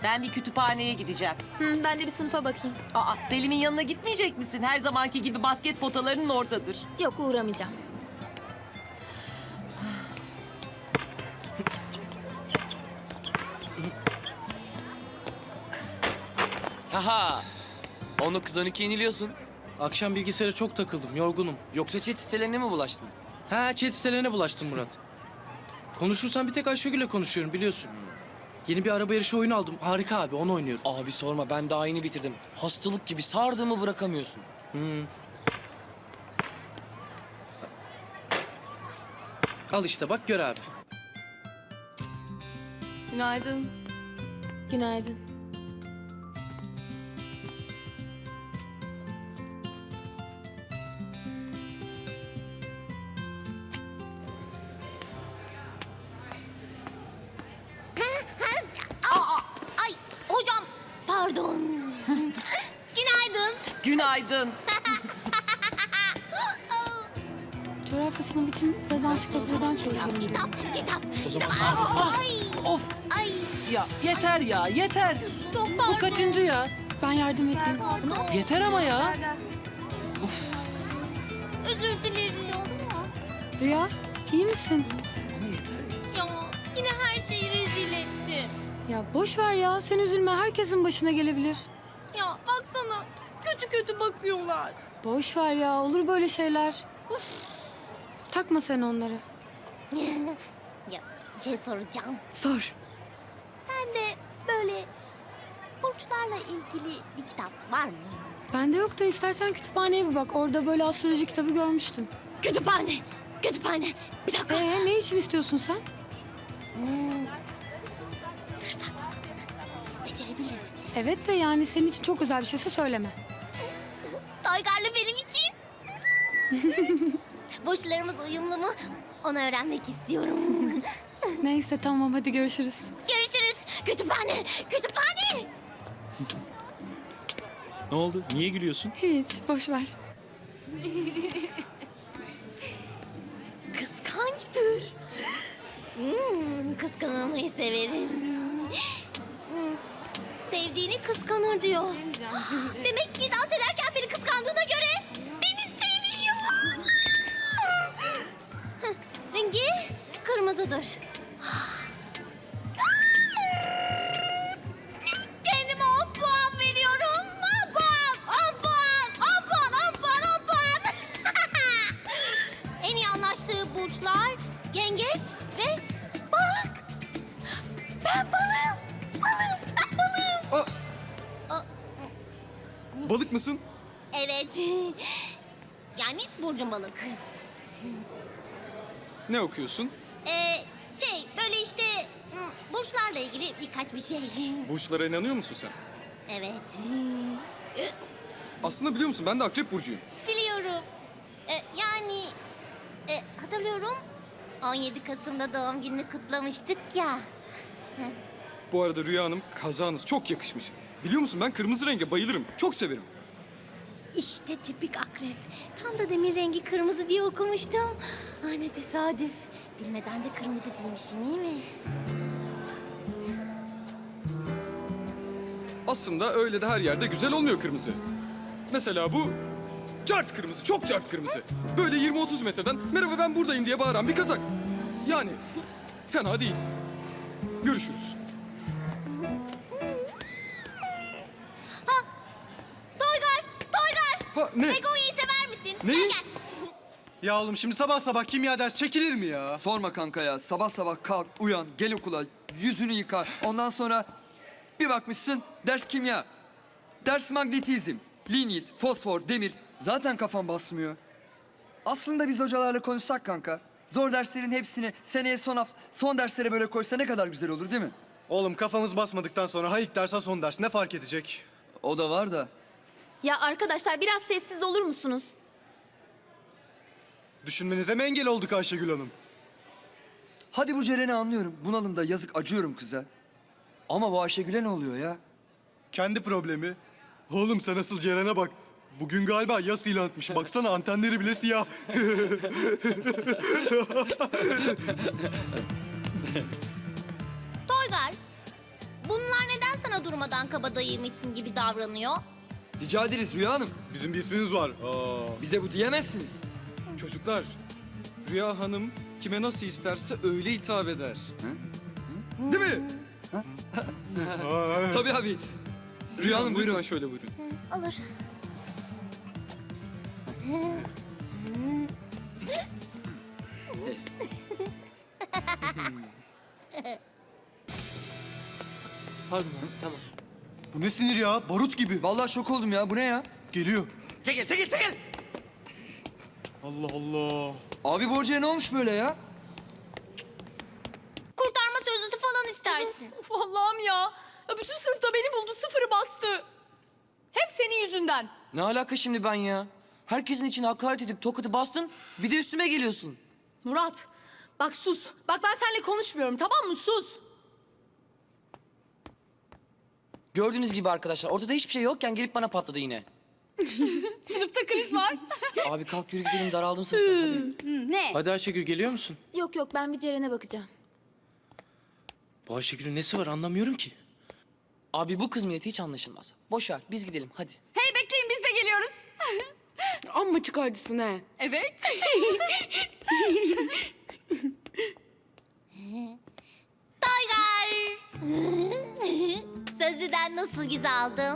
Ben bir kütüphaneye gideceğim. Ben de bir sınıfa bakayım. Aa, Selim'in yanına gitmeyecek misin? Her zamanki gibi basket potalarının oradadır. Yok, uğramayacağım. Haha. 19-12 yeniliyorsun. Akşam bilgisayara çok takıldım, yorgunum. Yoksa chat sitelerine mi bulaştın? Ha, chat sitelerine bulaştım Murat. Konuşursan bir tek Ayşegül'le konuşuyorum biliyorsun. Yeni bir araba yarışı oyunu aldım. Harika abi, onu oynuyorum. Abi sorma, ben daha yeni bitirdim. Hastalık gibi sardığımı bırakamıyorsun. Al işte bak gör abi. Günaydın. Günaydın. Ay hocam pardon. Günaydın. Günaydın. Coğrafya sınavı için biraz ansiklopediden çalışıyorum diyor. Kitap. Ay. Of Ay. ya yeter ya yeter. Çok Bu kaçıncı ya? Ben yardım edeyim. Yeter ama ya. Özür dilerim. Rüya, iyi misin? Ya yine her şeyi rezil etti. Ya boş ver ya, sen üzülme. Herkesin başına gelebilir. Ya baksana kötü kötü bakıyorlar. Boş ver ya, olur böyle şeyler. Takma sen onları. Ya bir şey soracağım. Sor. Sen de böyle burçlarla ilgili bir kitap var mı? Bende yok da istersen kütüphaneye bir bak. Orada böyle astroloji kitabı görmüştüm. Kütüphane. Kütüphane. Bir dakika. Ne için istiyorsun sen? Sır saklamasını becerebilir misin? Evet de yani senin için çok özel bir şeyse söyleme. Toygar'la benim için. Burçlarımız uyumlu mu? Onu öğrenmek istiyorum. Neyse tamam, hadi görüşürüz. Görüşürüz. Kütüphane. Kütüphane. Ne oldu? Niye gülüyorsun? Hiç, boş ver. Kıskançtır. Kıskanılmayı severim. Sevdiğini kıskanır diyor. Demek ki dans ederken beni kıskandığına göre beni seviyor. Rengi kırmızıdır. Kendime 10 puan veriyorum. 10 puan, 10 puan, 10 puan, 10 puan, 10 puan. En iyi anlaştığı burçlar yengeç ve balık. Ben balığım. Balığım. Ben balığım. Balık mısın? Evet. Yani burcum balık. Ne okuyorsun? Böyle işte burçlarla ilgili birkaç bir şey. Burçlara inanıyor musun sen? Evet. Aslında biliyor musun ben de Akrep Burcu'yum. Biliyorum. Yani hatırlıyorum. 17 Kasım'da doğum gününü kutlamıştık ya. Bu arada Rüya Hanım kazağınız çok yakışmış. Biliyor musun ben kırmızı renge bayılırım. Çok severim. İşte tipik akrep. Tam da demir rengi kırmızı diye okumuştum. Ah ne tesadüf. Bilmeden de kırmızı giymişim iyi mi? Aslında öyle de her yerde güzel olmuyor kırmızı. Mesela bu cart kırmızı, çok cart kırmızı. Böyle 20-30 metreden merhaba ben buradayım diye bağıran bir kazak. Yani fena değil. Görüşürüz. Toygar! Toygar! Ha ne? Begonya'yı sever misin? Neyi? Gel gel. Ya oğlum şimdi sabah sabah kimya ders çekilir mi ya? Sorma kanka ya. Sabah sabah kalk, uyan, gel okula, yüzünü yıka. Ondan sonra bir bakmışsın ders kimya. Ders magnetizm, linyit, fosfor, demir. Zaten kafam basmıyor. Aslında biz hocalarla konuşsak kanka. Zor derslerin hepsini seneye son derslere böyle koysa ne kadar güzel olur değil mi? Oğlum kafamız basmadıktan sonra ha ilk ders ha son ders ne fark edecek? O da var da. Ya arkadaşlar biraz sessiz olur musunuz? Düşünmenize mi engel olduk Ayşegül Hanım? Hadi bu Ceren'i anlıyorum. Bunalımda yazık acıyorum kıza. Ama bu Ayşegül'e ne oluyor ya? Kendi problemi. Oğlum sen asıl Ceren'e bak. Bugün galiba yas ilan etmiş. Baksana antenleri bile siyah. Toygar, bunlar neden sana bana durmadan kabadayıymışsın gibi davranıyor? Rica ederiz Rüya Hanım. Bizim bir isminiz var. Aa. Bize bu diyemezsiniz. Çocuklar, Rüya Hanım kime nasıl isterse öyle hitap eder. Değil mi? Tabii abi. Rüya Hanım buyurun. Lütfen şöyle buyurun. Olur. Pardon abi, tamam. Bu ne sinir ya? Barut gibi. Vallahi şok oldum ya. Bu ne ya? Geliyor. Çekil, çekil, çekil! Allah Allah. Abi bu hocaya ne olmuş böyle ya? Kurtarma sözlüsü falan istersin. Of Allah'ım ya. Bütün sınıfta beni buldu, sıfırı bastı. Hep senin yüzünden. Ne alaka şimdi ben ya? Herkesin içine hakaret edip tokatı bastın, bir de üstüme geliyorsun. Murat, bak sus. Bak ben seninle konuşmuyorum, tamam mı? Sus. Gördüğünüz gibi arkadaşlar, ortada hiçbir şey yokken gelip bana patladı yine. Sınıfta kriz var. Abi kalk yürü gidelim, daraldım sınıftan hadi. Ne? Hadi Ayşegül geliyor musun? Yok yok ben bir Ceren'e bakacağım. Bu Ayşegül'ün nesi var anlamıyorum ki. Abi bu kız milleti hiç anlaşılmaz. Boş ver, biz gidelim hadi. Hey bekleyin biz de geliyoruz. Amma çıkarcısın he. Evet. Toygar. Sözlüden nasıl giz aldın?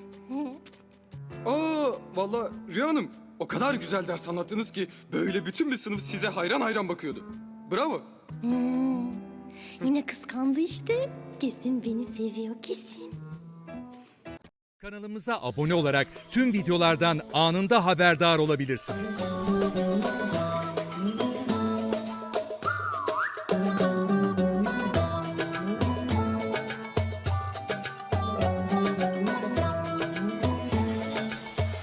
Aa, vallahi Rüya Hanım o kadar güzel ders anlattınız ki böyle bütün bir sınıf size hayran hayran bakıyordu. Bravo. Yine kıskandı işte. Kesin beni seviyor kesin. Kanalımıza abone olarak tüm videolardan anında haberdar olabilirsiniz.